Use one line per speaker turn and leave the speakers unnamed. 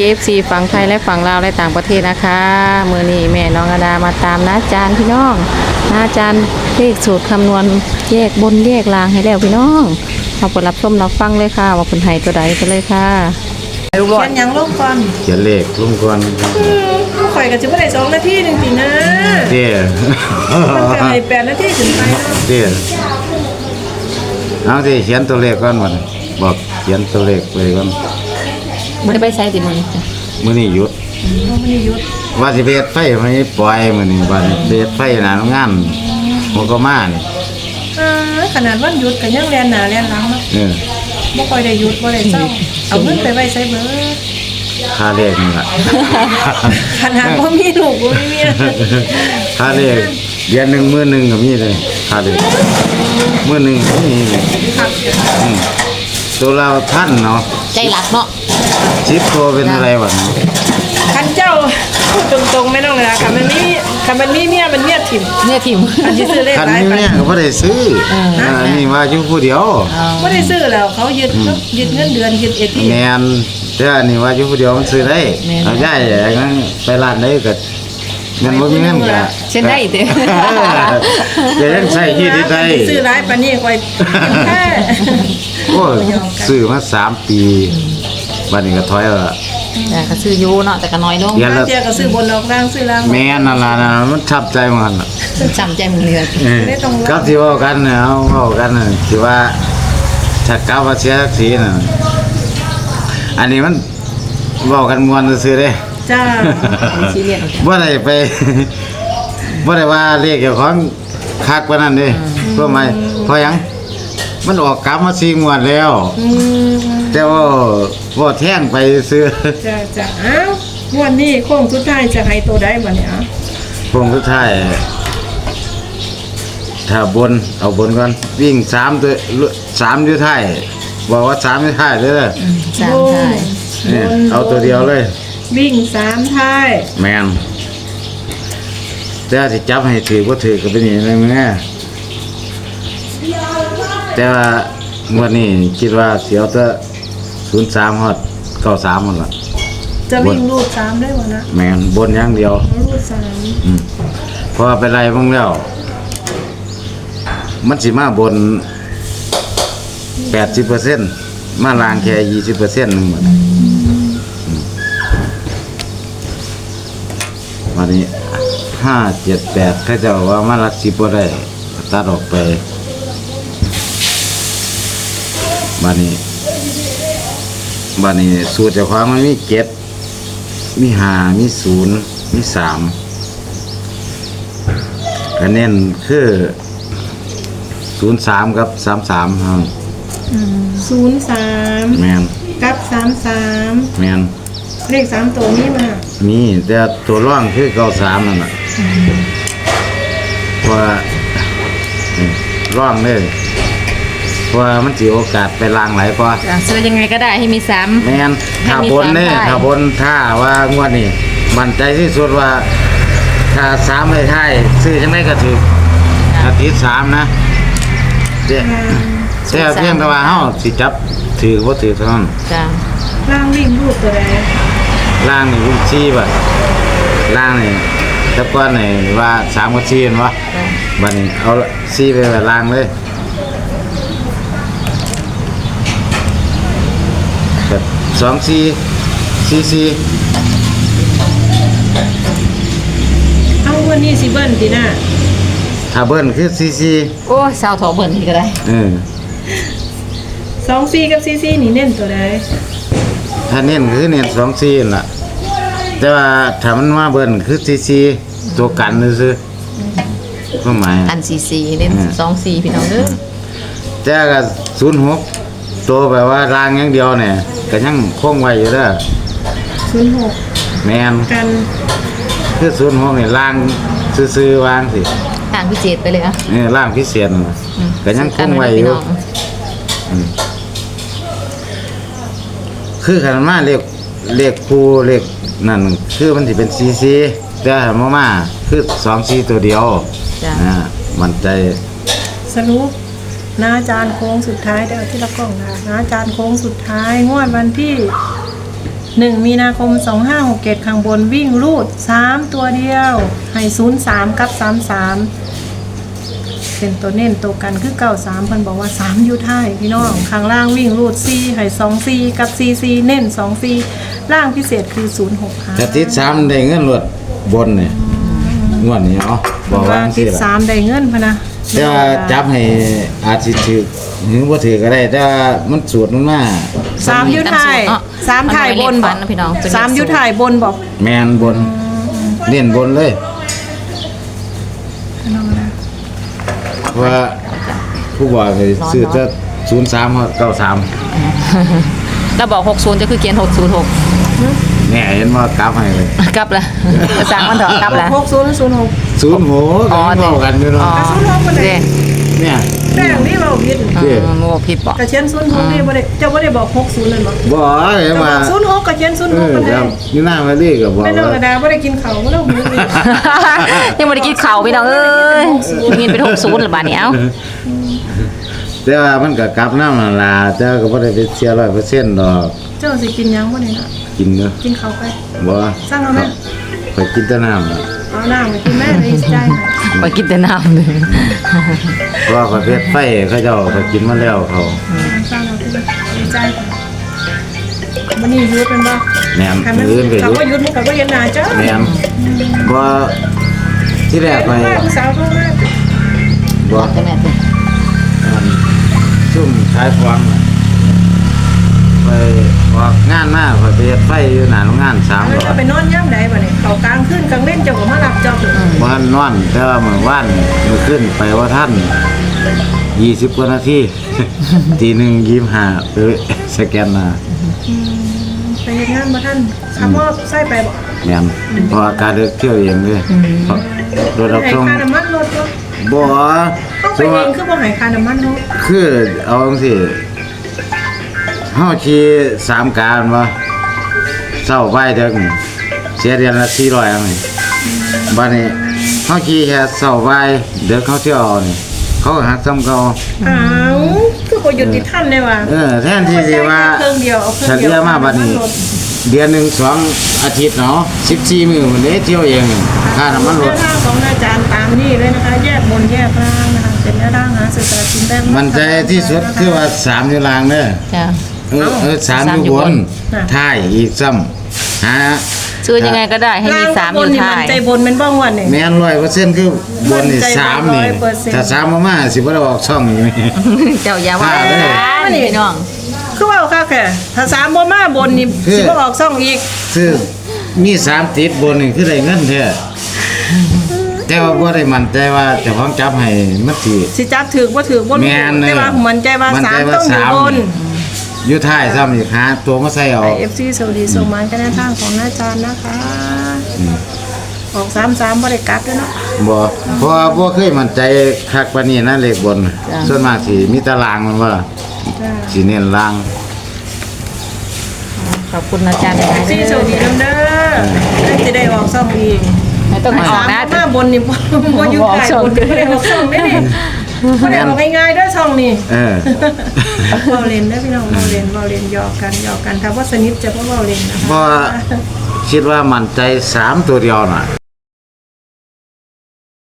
FC ฝั่งไทยและฝั่งลาวและต่างประเทศนะคะมื้อนี้แม่น้องอดามาตามน้าจานพี่น้องน้าจานเลขสูตรคำนวณแยกบนแยกล่างให้แล้วพี่น้องเอาไปรับชมรับฟังเลยค่ะว่าเพิ่นให้ตัวใดกันเลยค่ะ
เขียนหยังลงก่อน
เขียนเลขลุงก่อน
ข่อยก็จะบ่ได้2 นาทีนึงสินะ
เด้
มันก็ให้8 นาทีขึ้นไปเนาะ
เด้เอาสิเขียนตัวเลขก่อนมันบอกเขียนตัวเลขไปก่อน
บ่ได้ไปใช้ติมื้อนี้
มื้อนี้หยุด
บ่มีหยุด
ว่าสิไปเฮ็ดไฟไม่ปล่อยมื้อนี้ว่าสิไปเฮ็ดไฟหน้าโรงงานหัวก็มานี่
ขนาดวันหยุดก็ยังแล่นหน้าแล่นหลังเนาะ บ่ค่อยได้หยุดบ่ได้เศร้าเอาเงินไปไว้ใช้เบิด
ค่าเลขนี่ล่ะ
ขนาดบ่มีลูกบ่มีเมีย
ค่าเลขเดือนหนึงมื้อหนึงก็มีเลยค่าเลขมื้อหนึงก็มีเลย
ครับ
ตัวเราท่านเนาะ
ใจรักเนาะ
10ตัวเป็นอะไรวะ
คันเจ้าพูดตรงๆไม่ต้องเลยนะคันมันมีเมียมันเมียถิ่ม
เนี่ยทิม
อันที่ซื้อเลข
คัน
หลาย
นี้
ไป
เนี่ยก็บ่ได้ซื้อนี่ว่าอยู่ผู้เดียว
บ่ได้ซื้อแล้วเขายึดเงินเดือนยึดเอที
แมนแต่อันนี้ว่าอยู่ผู้เดียวมันซื้อได้เอาได้อย่างนั้นไปร้านได้ก็เงินบ่มีเงินก็
เช่นได้เด้อ
จะเล่นใส่ที่ที่ใด
ซื้อหลายปานนี้ค่อยแค่
โอ้ซื้อมา3 ปีบัดนี้ก็ถอยแล้วล่ะ
แต่ก็ซื้ออยู่เนาะแต่ก็น้อยลง
เดือน
บาง
ละ
เทียก็ซื้อบนออกล่างซื้อล่าง
แม่นนั่นล่ะนะมันทับใจมันล่ะ
จำใจมึงเลย
กับที่เว้ากันเนี่ยเอาเว้ากันน่ะที่ว่าถ้ากลับว่าเสียสักทีน่ะอันนี้มันเว้ากันม่วนซื่อๆเด้
จ้า
ซีเรียส
บ่ได้ไป บ่ได้ว่าเลขเจ้าของคักปานนั้นเด้เพื่อหมายเพราะหยังมันออกกลับมา4 งวดแล้ว แต่ว่าแท่งไปซื้อ
จ้าอ้าววันนี้โค้งสุดท้ายจะให้ตัวใดบัดนี้อ่ะ
พงสุดท้ายถ้าบนเอาบนก่อนวิ่ง3ตัว3อยู่ท้ายบอกว่า3อยู่ท้ายเด้อ
สามทาย
เนี่ยเอาตัวเดียวเลย
วิ่ง3ท้าย
แม่นแต่สิจับให้ถือบ่ถือก็เป็นอย่างนั้นแม่แต่ว่างวดนี้คิดว่าสิเอาแต่03ฮอด93หมดล่ะ
จะวิ่งรูด3ได้บ่นะ
แม่นบนอย่างเดียว
รูด3
เพราะว่าไปไล่เบิ่งแล้ว มันสิมาบน 80%มาล่างแค่ 20%นึงหมดวันนี้5 7 8เขาเจะว่ามารัก10บ่ได้ตัดออกไปบัดนี้สูตรเจ้าของมันมี7มี5มี0มี3ก็เน้นคือ03กับ33ครับ
03
แม่น
กับ33
แม่น
เลข3ตัวนี้มา
มีแต่ตัวร่องคือ93นั่นน่ะเพราะว่าร่องเลยเพราะว่ามันสิโอกาสไปล้างหลายกว่า
จะซื้อยังไงก็ได้ให้มีซ้ำ
แม่นถ้าบนเนี่ย
ให้มี3
ถ้าบนถ้าว่างวดนี้มั่นใจที่สุดว่าถ้า3ให้ท้ายซื้อจังได๋ก็ถูกถ้าติด3นะเด้แต่เพียงแต่ว่าเฮาสิจับถือบ่ถือเท่านั้น
จ้า
ล่างวิ่งรูดตัวใด
ล่างนี่วิ่ง4บัดล่างนี่แต่ก่อนนี่ว่า3กับ4เห็นบ่บัดนี้เอา4ไปไว้ล่างเลยแบบ2 4 4
เอาวันนี้สิเบิ้ลติน่ะ
4ถ้าเบิ้ลคือ4
โอ้ยสาวถอเบิ่นนี่ก็ได้
24กับ44นี่เน้นตัวใด
ถ้าเน้นคือเน้น2 4นั่นล่ะแต่ว่าถ้ามันมาเบิ้ลคือ4ตัวกันซื่อๆความหมาย
อัน44เล่น24พี่น้องเด้อ
แต่ก็06ตัวแบบว่าล่างอย่างเดียวเนี่ยก็ยังคงไว้อยู่เด้อ
06
แม่น
กัน
คือ06นี่ล่างซื่อๆวางสิ
ต่างพิเศษไปเลยอ่ะ
ล่างพิเศษนั่นน่ะก็ยังคงไว้อยู่ คือขันมาเลขคู่เลขนั่นคือมันสิเป็น4 แต่หันมาคือ2 4ตัวเดียว
จ้า
มันใจ
สรุปนาจารย์โค้งสุดท้ายเดี๋ยวที่ละกล้องนะนาจารย์โค้งสุดท้ายงวดวันที่ 1 มีนาคม 2567ข้างบนวิ่งรูด 3 ตัวเดียว ให้ 03 กับ 33 เป็นตัวเน้นตัวกันคือ 93เพิ่นบอกว่า 3 อยู่ท้ายพี่น้อง ข้างล่างวิ่งรูด 4 ให้ 24 กับ 44 เน้น 24 ล่างพิเศษคือ 06ค่ะ
ถ้าติด3ได้เงินรวดบนเนี่ยงวดนี้เนาะบอกว่าจัง
ติ
ซี่
ด
ล่ะ
3ได้เงินพะนะ
แต่ว่าจับให้อาจสิถือหรือบ่ถือก็ได้แต่ว่ามันสูตรมันมา
3อยู่ท้าย3ท้ายบนบอก
นะพี่น้อง
3อยู่ท้ายบนบอก
แม่นบนเน้นบนเลยเพราะว่าผู้บอกให้ซื้อจะ03กับ93
เราบอก60จะคือเขียน606
แน่เห็นว่ากราฟให้เลย
กลับละภาษามันเถอะกลับละ
6006
ศูนย์โหกันเว้ากันอยู่เนาะ
กระสุน6บ่ได้
เด้
เนี่ย
แป้งนี่เราผิด
โมผิดบอก
กระเชียน06นี่บ่ได้เจ้าบ่ได้บอก60นั่นบ่
บ่เห็น
เจ้าบ
ว่า
อก06กระเชียน06บ่
ค
ได้
รับนี่หน้ามาลีก็บอก
แม่น้อง
ว่า
ระดาบ่ได้กินข้าวบ่ได้หูนี่
ยังไม่ได้กินข้าวพี่น้องเอ้ยเงินเป็น60หรือบาทนี้เอ้า
แต่ว่ามันก็กลับน้ำนั่นล่ะแต่ก็บ่ได้ไปเสีย100%ดอก
เจ้าสิกินหยังบ่ได้นะ
กินเนาะ
กินข้าวไป
บ่
สั่งเอาแม่
ไปกินแต่น้ำน่ะ
เอาน้ำไปกินแม่เลยใจให้
ไปกินแต่น้ำเลย
เพราะว่าประเภทไฟเขาเจ้าก็กินมาแล้วเขา
สั่งเอาไปใจมันนี่ยุดเป็นบ่
แหนม
คันมัน
อื่นก็
เขา
อยู่
ก็ยุดมันก็บ่เห็นหน้าเจ้า
แหนมบ่ที่แรกไป
ผู้สาวเพิ่นมา
บ่
แต่แม่ติ
อันซุ่มขายของน่ะไปออกงานมาไปเฮ็ดไฟอยู่หน้าโรงงาน3
แล้ว
รอ
จะ
บ
ไปนอนย่ำใดบ่เนี่ยเขากลางคืนกลางเล่นเจ้าก็มารับจอบเลย
บ้านนอนแต่ว่าเมื่อวานเมื่อขึ้นไปว่าท่าน20กว่านาที ตีหนึ่ง25ไปสแกนมา
ไปเฮ็ดงานบ่ท่านขับมอไซค์ไปบ่
แม่นเพราะว่าการเดินเที่ยวเองเลยเพราะรถรับ
ให้
ส่ง
ค่าน้ำมันรถบ่
บ่
ต้องไปเองคือบ่ให้ค่าน้ำมันเนาะ
คือเอาจังซี่เฮาขี่3การว่าเช้าบ่ายเดึกนี่เสียเดือนละ400อันนี้บัดนี้เฮาขี่แค่เช้าบ่ายเดึกเขาเที่ยวนี่เขาก็หักซ้ำเก่า
อ้าวคือบ่ยุติธรรมเลยว่ะ
แทนที่สิว่า
เครื่องเดียวเอาเค
เฉ
รื่องเดียว
ลี่ยมาบัดนี้ เดือนหนึ่ง2 อาทิตย์เนาะ14 มื้อมันได้เที่ยวเองค่าน้ำมันรถ
แนวทางของอาจารย์ตามนี่เลยนะคะ แยกบนแยกล่างนะคะเป็นแนวทางหาสื่อสารกินแบ่ง
มันใจที่สุดคือว่า3อยู่ล่างเด้อ
จ้ะ
3อยู่บนท้ายอีกซ้ำหา
ซื้อยังไงก็ได้ให้มี3อยู่ท้าย
ใจบนเป็นบ้างวันนี่
แม่น100%คือบนนี่3นี่
100%
ถ้า3บ่มาสิบ่ได้ออกช่องนี่
เจ้าอย่าว่าพี่น้อง
คือว่าค่ะแค่ถ้าสามบ่มาบนนี่
คือ
สิบ่ออกซ่องอีก
คือมี3ติดบนนี่คือได้เงินแท้แต่ว่าบ่ได้มั่นใจว่าเจ้าของจับให้มันสิ
สิจับถือบ่ถือบ่
แม่น
แต่ว่ามันใจว่า
มั่น
สา
ใจ
ม
ว่า
ต้องอยู่
สาม
บน
อยู่ท้ายซ้ำอีกหาตัวมาใส่เอา
FC สวัสดีส่งมากันแนวทางของอาจารย์นะคะออก33บ่ได้กลับด้วยเนาะ
บ่เพราะว่าบ่เคยมั่นใจคักปานนี้นะเลขบน ส่วนมากสิมีตารางมันว่า
จ้า
สิเน้นล่าง
ขอบคุณอาจารย์หลาย
FC สวัสดีนำเด้อสิได้ออกซ่องอีก
ไม่ต้องให้ออกนะ
สามมาบนนี่บ่อยู่ใต้บนบ่ได้ออกซ่องได้นี่บ่ได้ออกง่ายๆเด้อซ่องนี่
เออ
เว้าเล่นเด้อพี่น้องเว้าเล่นหยอกกันถ้าว่าสนิทจะบ่เว้าเล่นนะคะ
เพราะว่าคิดว่ามั่นใจ3ตัวเดียวน่ะ